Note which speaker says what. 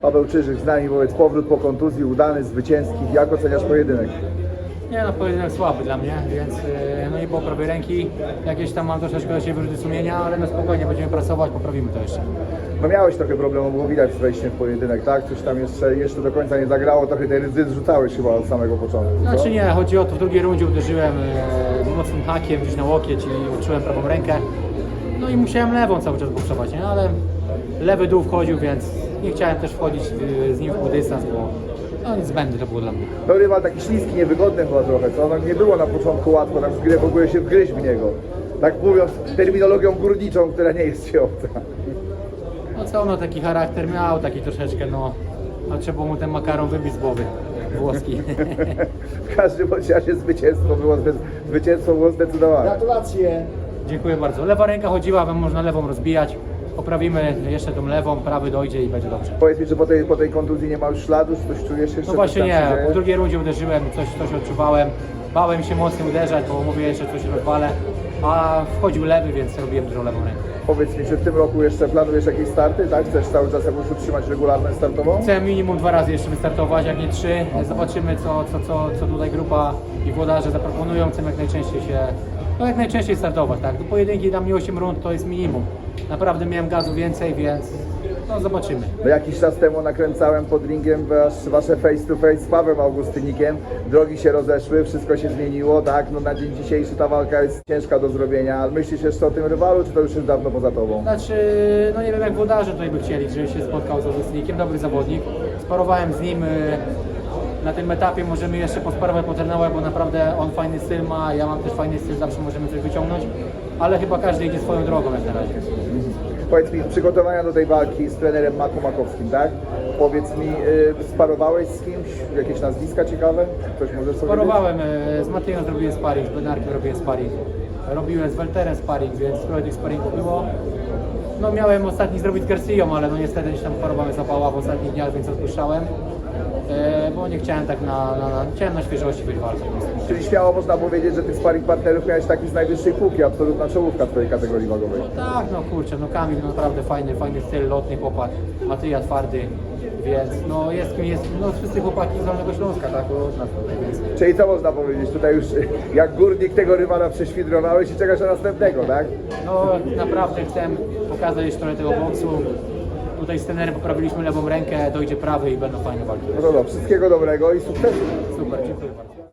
Speaker 1: Paweł Czyżyk z nami, wobec powrót po kontuzji udany, zwycięski. Jak oceniasz pojedynek?
Speaker 2: Nie no, pojedynek słaby dla mnie, więc no nie było prawej ręki. Jakieś tam mam troszeczkę do siebie wyrzuty sumienia, ale no spokojnie będziemy pracować, poprawimy to jeszcze.
Speaker 1: No miałeś trochę problemu, było widać z wejściem w pojedynek, tak? Coś tam jeszcze do końca nie zagrało, trochę tej ryzy zrzucałeś chyba od samego początku. Co?
Speaker 2: Znaczy nie, chodzi o to, w drugiej rundzie uderzyłem mocnym hakiem gdzieś na łokieć i uczułem prawą rękę. No i musiałem lewą cały czas boksować, nie? Ale lewy dół wchodził, więc nie chciałem też wchodzić z nim w dystans, bo no niezbędne to było dla mnie.
Speaker 1: No rywal taki śliski, niewygodny chyba trochę, co? No, nie było na początku łatwo tak w ogóle się wgryźć w niego. Tak mówiąc terminologią górniczą, która nie jest ci obca.
Speaker 2: No co, no taki charakter miał, taki troszeczkę, no trzeba mu ten makaron wybić z głowy, włoski.
Speaker 1: W każdym bądź razie zwycięstwo było zdecydowane.
Speaker 2: Gratulacje! Dziękuję bardzo. Lewa ręka chodziła, można lewą rozbijać. Poprawimy jeszcze tą lewą, prawy dojdzie i będzie dobrze.
Speaker 1: Powiedz mi, czy po tej kontuzji nie ma już śladu, czy coś czujesz jeszcze?
Speaker 2: No właśnie
Speaker 1: coś tam się
Speaker 2: nie,
Speaker 1: dzieje?
Speaker 2: po drugiej rundzie uderzyłem, coś odczuwałem. Bałem się mocno uderzać, bo mówię, że coś rozwalę, a wchodził lewy, więc robiłem dużą lewą rękę.
Speaker 1: Powiedz mi, czy w tym roku jeszcze planujesz jakieś starty, tak? Chcesz cały czas jakoś utrzymać regularność startową?
Speaker 2: Chcę minimum 2 razy jeszcze wystartować, jak nie 3. Zobaczymy, co tutaj grupa i włodarze zaproponują. Chcę jak najczęściej startować, tak? Do pojedynki dla mnie 8 rund to jest minimum. Naprawdę miałem gazu więcej, więc no zobaczymy.
Speaker 1: No jakiś czas temu nakręcałem pod ringiem wasze face to face z Pawłem Augustynikiem. Drogi się rozeszły, wszystko się zmieniło, tak? No na dzień dzisiejszy ta walka jest ciężka do zrobienia, ale myślisz jeszcze o tym rywalu, czy to już jest dawno poza tobą?
Speaker 2: Znaczy, no nie wiem jak włodarze tutaj by chcieli, żeby się spotkał z Augustynikiem, dobry zawodnik. Sparowałem z nim. Na tym etapie możemy jeszcze posparować, potrenować, bo naprawdę on fajny styl ma, ja mam też fajny styl, zawsze możemy coś wyciągnąć, ale chyba każdy idzie swoją drogą jak na razie.
Speaker 1: Powiedz mi, przygotowania do tej walki z trenerem Maku Makowskim, tak? Powiedz mi, sparowałeś z kimś? Jakieś nazwiska ciekawe? Ktoś może sobie
Speaker 2: Sparowałem, z Mateuszem zrobiłem sparring, z Benarkiem robiłem sparring, robiłem z Welterem sparring, więc trochę tych sparringów było. No miałem ostatni zrobić z Garcją, ale no niestety gdzieś tam choroba mnie zapała w ostatnich dniach, więc odpuszczałem. Bo nie chciałem tak chciałem na świeżości być walką.
Speaker 1: Czyli śmiało można powiedzieć, że tych sparring partnerów miałeś taki z najwyższej półki, absolutna czołówka twojej kategorii wagowej.
Speaker 2: Tak, no kurczę, no Kamil naprawdę fajny styl, lotny chłopak, Matyja twardy, więc no jest kim jest, no wszyscy chłopaki z Dolnego Śląska, tak, od nas tutaj jest.
Speaker 1: Czyli co można powiedzieć, tutaj już jak górnik tego rywala prześwidrowałeś i czekasz na następnego, tak?
Speaker 2: No naprawdę chcę pokazać jeszcze trochę tego boksu. Tutaj z trenerem poprawiliśmy lewą rękę, dojdzie prawy i będą fajne walki.
Speaker 1: No to wszystkiego dobrego i sukcesu.
Speaker 2: Super, dziękuję bardzo.